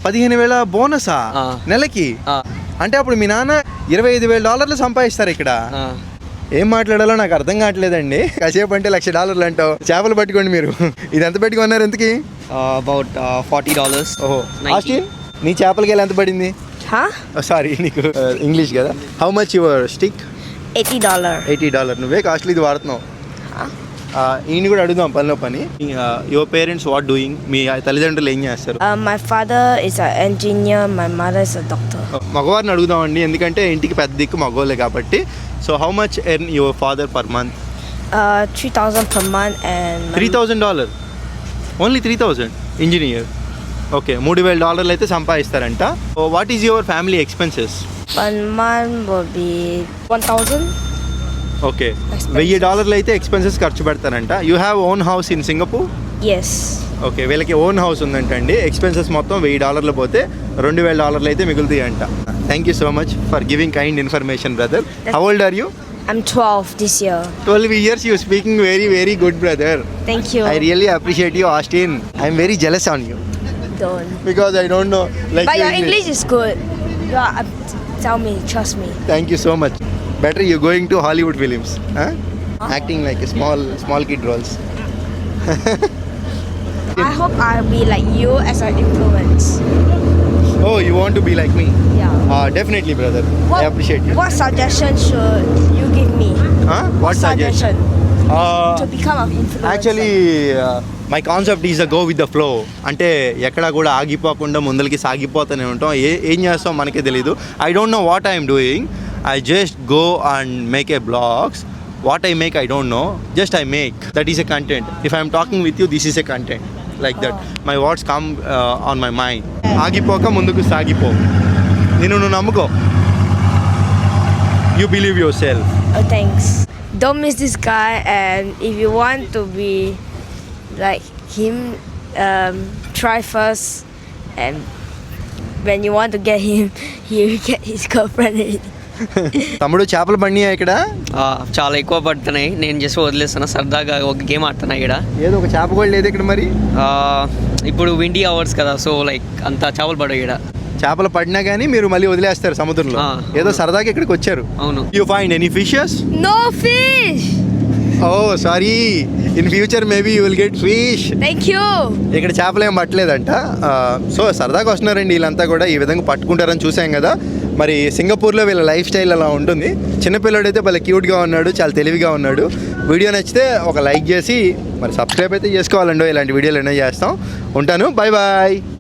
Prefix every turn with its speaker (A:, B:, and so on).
A: 15,000 బోనసా నెలకి? అంటే అప్పుడు మీ నాన్న $25,000 సంపాదిస్తారు ఇక్కడ. ఏం మాట్లాడాలో నాకు అర్థం కావట్లేదండి. కాసేపు అంటే $1,00,000 అంటావు. చేపలు పట్టుకోండి మీరు. ఇది ఎంత పెట్టుకున్నారు ఎంతకి?
B: అబౌట్ $40.
A: ఓహో ఆస్టిన్, నీ చేపలకి ఎంత పడింది? సారీ నీకు ఇంగ్లీష్ కదా. How much your stick? $80. నువ్వే కాస్ట్లీ ఇది వాడుతున్నావు. ఈయన కూడా అడుగుదాం పనిలో పని. Your parents what doing? మీ తల్లిదండ్రులు ఏం చేస్తారు?
C: My father is an engineer, my mother is a doctor.
A: మగవారిని అడుగుదామండి, ఎందుకంటే ఇంటికి పెద్ద దిక్కు మగవాళ్ళే కాబట్టి. So how much earn your father per month?
C: $3,000 per month and
A: $3,000 only 3,000 engineer. Okay, $3,000 అయితే సంపాదిస్తారంట. What is your family expenses?
C: 1 month will be 1,000.
A: Okay, $1,000 అయితే expenses ఖర్చు పెడతారంట. You have own house in Singapore?
C: Yes.
A: Okay, వీళ్ళకి own house ఉందంటండి. Expenses మొత్తం $1,000 పోతే $2,000 అయితే మిగులుతాయి అంట. Thank you so much for giving kind information brother. How old are you?
C: I'm 12 this year.
A: 12 years, you speaking very very good brother.
C: Thank you.
A: I really appreciate you, Austin. I am very jealous on you
C: Don't.
A: because I don't know like
C: But your English is good. Tell me, trust me.
A: Thank you so much. Better you going to Hollywood films, huh? Acting like a small kid roles.
C: I hope I'll be like you as an influence.
A: Oh, you want to be like me?
C: Yeah.
A: Definitely brother. I appreciate you.
C: What suggestion should you give me?
A: Huh? What suggestion?
C: To become an influencer.
A: Actually my concept is a go with the flow. అంటే ఎక్కడ కూడా ఆగిపోకుండా ముందరికి సాగిపోతూనే ఉంటాం. ఏం చేస్తాం మనకే తెలీదు. I don't know what I'm doing. I just go and make a blogs. What I make I don't know, just I make. That is a content. If I'm talking with you, this is a content like that. My words come on my mind. ఆగిపోక ముందుకు సాగిపో. నువ్వు నమ్ముకో. You believe yourself.
C: Oh, thanks. Don't miss this guy, and if you want to be like him, try first, and when you want to get him, he will get his girlfriend already.
A: తమ్ముడు, చేపలు పడినాయా ఇక్కడ?
B: చాలా ఎక్కువ పడుతున్నాయి. నేను just వదిలేస్తున్నా, సరదాగా ఒక గేమ్ ఆడుతున్నా ఇక్కడ.
A: ఏదో ఒక చేప కూడా లేదు ఇక్కడ మరి.
B: ఇప్పుడు విండీ అవర్స్ కదా, సో లైక్ అంత చేపలు పడవు ఇక్కడ.
A: చేపలు పడినా కానీ మీరు మళ్ళీ వదిలేస్తారు సముద్రంలో. ఏదో సరదాగా ఇక్కడికి వచ్చారు.
B: అవును.
A: You find any fishes?
C: No fish.
A: Oh sorry, in future maybe you will get fish.
C: Thank you.
A: ఇక్కడ చేపలు ఏం పట్టలేదంట. సో సరదాగా వస్తున్నారండి వీళ్ళంతా కూడా. ఈ విధంగా పట్టుకుంటారని చూసాం కదా. మరి సింగపూర్లో వీళ్ళ లైఫ్ స్టైల్ అలా ఉంటుంది. చిన్నపిల్లడు అయితే భలే క్యూట్గా ఉన్నాడు, చాలా తెలివిగా ఉన్నాడు. వీడియో నచ్చితే ఒక లైక్ చేసి మరి సబ్స్క్రైబ్ అయితే చేసుకోవాలండి. ఇలాంటి వీడియోలు ఎన్నో చేస్తాం. ఉంటాను, బాయ్ బాయ్.